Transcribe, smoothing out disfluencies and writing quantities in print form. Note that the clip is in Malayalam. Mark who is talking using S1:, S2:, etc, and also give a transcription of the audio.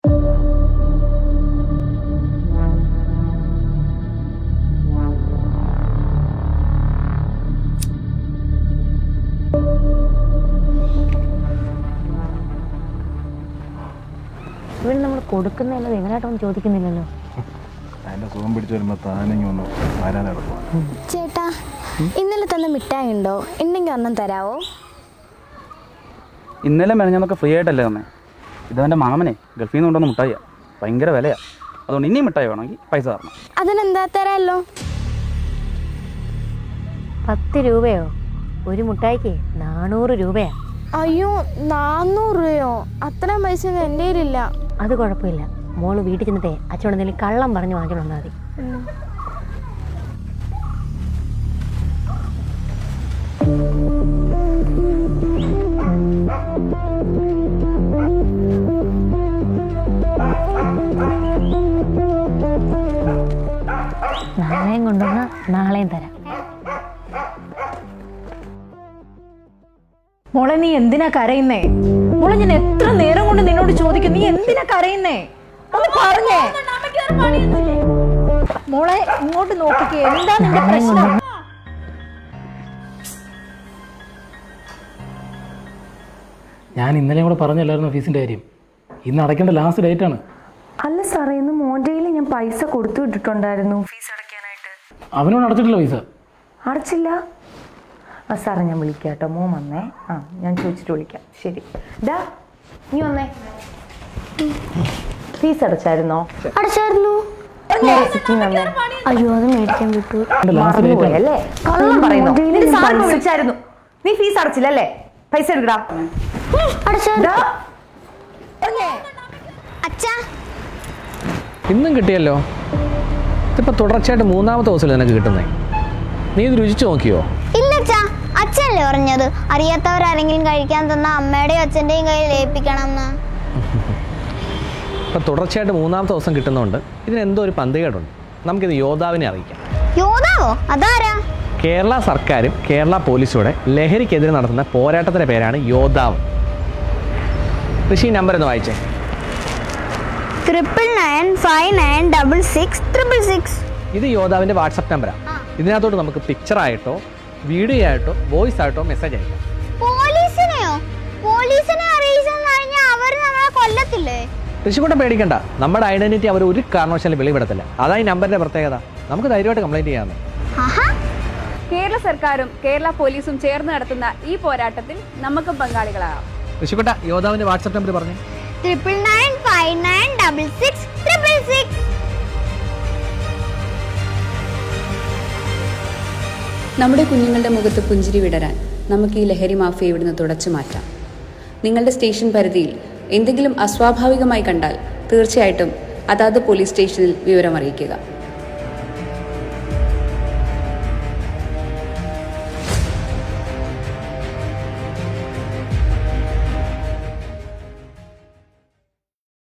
S1: ഇവിടെ നമ്മൾ കൊടുക്കുന്നതല്ലത് എങ്ങനെയായിട്ടൊന്നും ചോദിക്കുന്നില്ലല്ലോ.
S2: അതിന്റെ സുഖം പിടിച്ചു വരുമ്പോ താനെങ്കിൽ ഒന്ന് വരാനെടുക്കും.
S3: ചേട്ടാ, ഇന്നലെ തന്ന മിഠായി ഉണ്ടോ? ഉണ്ടെങ്കിൽ ഒന്നും തരാവോ?
S4: ഇന്നലെ മെനഞ്ഞാന്നൊക്കെ ഫ്രീ ആയിട്ടല്ലേ തന്നെ. ഇതെൻ്റെ മാമനെ ഗൾഫിൽ നിന്ന് കൊണ്ടുവന്ന മിഠായിയാണ്. ഭയങ്കര വിലയാണ്. അതുകൊണ്ട് ഇനിയും മിഠായി വേണമെങ്കിൽ പൈസ തരണം.
S3: അതിനെന്താ തരാമല്ലോ.
S1: 10 രൂപയോ? ഒരു മുട്ടായിക്ക് 400 രൂപയാ.
S3: അയ്യോ, 400 രൂപയോ? അത്രയും പൈസ എൻ്റെ കയ്യിലില്ല.
S1: അത് കുഴപ്പമില്ല, മോള് വീട്ടിൽ ചെന്നിട്ടേ അച്ഛനോട് എന്തെങ്കിലും കള്ളം പറഞ്ഞ് വാങ്ങിച്ചോണ്ട് വന്നാൽ മതി. നാളെയും കൊണ്ടുവന്ന നാളെയും തരാം.
S5: മോളെ, നീ എന്തിനാ കരയുന്നേ? മോളെ, ഞാൻ എത്ര നേരം കൊണ്ട് നിന്നോട് ചോദിക്കും, നീ എന്തിനാ കരയുന്നേ? ഒന്ന് പറഞ്ഞേ. മോളെ, ഇങ്ങോട്ട് നോക്കിക്കേ, എന്താ നിന്റെ പ്രശ്നം?
S6: ഞാൻ ഇന്നലെ കൂടെ പറഞ്ഞല്ലായിരുന്നു ഫീസിൻ്റെ കാര്യം. ഇന്ന് അടയ്ക്കേണ്ട ലാസ്റ്റ് ഡേറ്റ് ആണ്.
S7: അല്ല സാറേ, ഇന്ന് മോൻ്റെയിൽ ഞാൻ പൈസ കൊടുത്തു വിട്ടിട്ടുണ്ടായിരുന്നു ഫീസ് അടയ്ക്കാനായിട്ട്.
S6: അവനോട് അടച്ചിട്ടില്ല പൈസ.
S7: അടച്ചില്ല? ആ സാറേ, ഞാൻ വിളിക്കാം കേട്ടോ. മോൻ വന്നേ. ഞാൻ ചോദിച്ചിട്ട് വിളിക്കാം. ശരി. ഡാ, നീ വന്നേ. ഫീസ് അടച്ചായിരുന്നോ?
S3: അടച്ചായിരുന്നു. അയ്യോ, അത് മേടിക്കാൻ വിട്ടു.
S7: മറന്നുപോയല്ലേ? കള്ളം പറയുന്നു. നിന്റെ സാറിനെ വിളിച്ചായിരുന്നു. നീ ഫീസ് അടച്ചില്ലല്ലേ? പൈസ എടുക്കടാ.
S8: ഇന്നും കിട്ടിയല്ലോ. ഇതിപ്പോൾ തുടർച്ചയായിട്ട് 3ാമത്തെ ദിവസമല്ലേ നിനക്ക് കിട്ടുന്നേ. നീ ഇത് രുചിച്ചു നോക്കിയോ?
S9: ഇല്ല അച്ഛാ, അച്ഛനല്ലേ പറഞ്ഞത് അറിയാത്തവരാരെങ്കിലും കഴിക്കാൻ തന്ന അമ്മയുടെയും അച്ഛൻ്റെയും കയ്യിൽ ഏൽപ്പിക്കണം എന്ന്.
S8: ഇപ്പം തുടർച്ചയായിട്ട് 3ാമത്തെ ദിവസം കിട്ടുന്നതുകൊണ്ട് ഇതിനെന്തോ ഒരു പന്തികേടുണ്ട്. നമുക്കിത് യോദ്ധാവിനെ അറിയിക്കാം.
S9: യോദ്ധാവോ? അതാരാ?
S8: കേരള സർക്കാരും കേരള പോലീസൂടെ ലഹരിക്കെതിരെ നടത്തുന്ന പോരാട്ടത്തിൻ്റെ പേരാണ് യോദ്ധാവ്. ഋഷി, നമ്പർ ഒന്ന് വായിച്ചേ.
S9: 9995966666.
S8: ഇത് യോദ്ധാവിൻ്റെ വാട്സപ്പ് നമ്പറാണ്. ഇതിനകത്തോട്ട് നമുക്ക് പിക്ചറായിട്ടോ വീഡിയോ ആയിട്ടോ വോയിസ് ആയിട്ടോ മെസ്സേജ് അയക്കാം.
S9: പോലീസിനെയോ? പോലീസിനെ അറിയിച്ചെന്ന് പറഞ്ഞാൽ അവർ നമ്മളെ കൊല്ലത്തില്ലേ?
S8: ഋഷിക്കൂട്ടം പേടിക്കണ്ട, നമ്മുടെ ഐഡന്റിറ്റി അവർ ഒരു കാരണവശാലും വെളിപ്പെടുത്തില്ല. അതാ ഈ നമ്പറിന്റെ പ്രത്യേകത. നമുക്ക് ധൈര്യമായിട്ട് കംപ്ലൈന്റ് ചെയ്യാമെന്ന്.
S10: കേരള സർക്കാരും കേരള പോലീസും ചേർന്ന് നടത്തുന്ന ഈ പോരാട്ടത്തിൽ നമുക്കും പങ്കാളികളാകാം.
S8: ഋഷിക്കൂട്ട, യോദ്ധാവിന്റെ വാട്സ്ആപ്പ് നമ്പർ പറഞ്ഞു.
S9: 9995966666.
S10: നമ്മുടെ കുഞ്ഞുങ്ങളുടെ മുഖത്ത് പുഞ്ചിരി വിടരാൻ നമുക്ക് ഈ ലഹരി മാഫിയ ഇവിടുന്ന് തുടച്ചു മാറ്റാം. നിങ്ങളുടെ സ്റ്റേഷൻ പരിധിയിൽ എന്തെങ്കിലും അസ്വാഭാവികമായി കണ്ടാൽ തീർച്ചയായിട്ടും അതാത് പോലീസ് സ്റ്റേഷനിൽ വിവരം അറിയിക്കുക.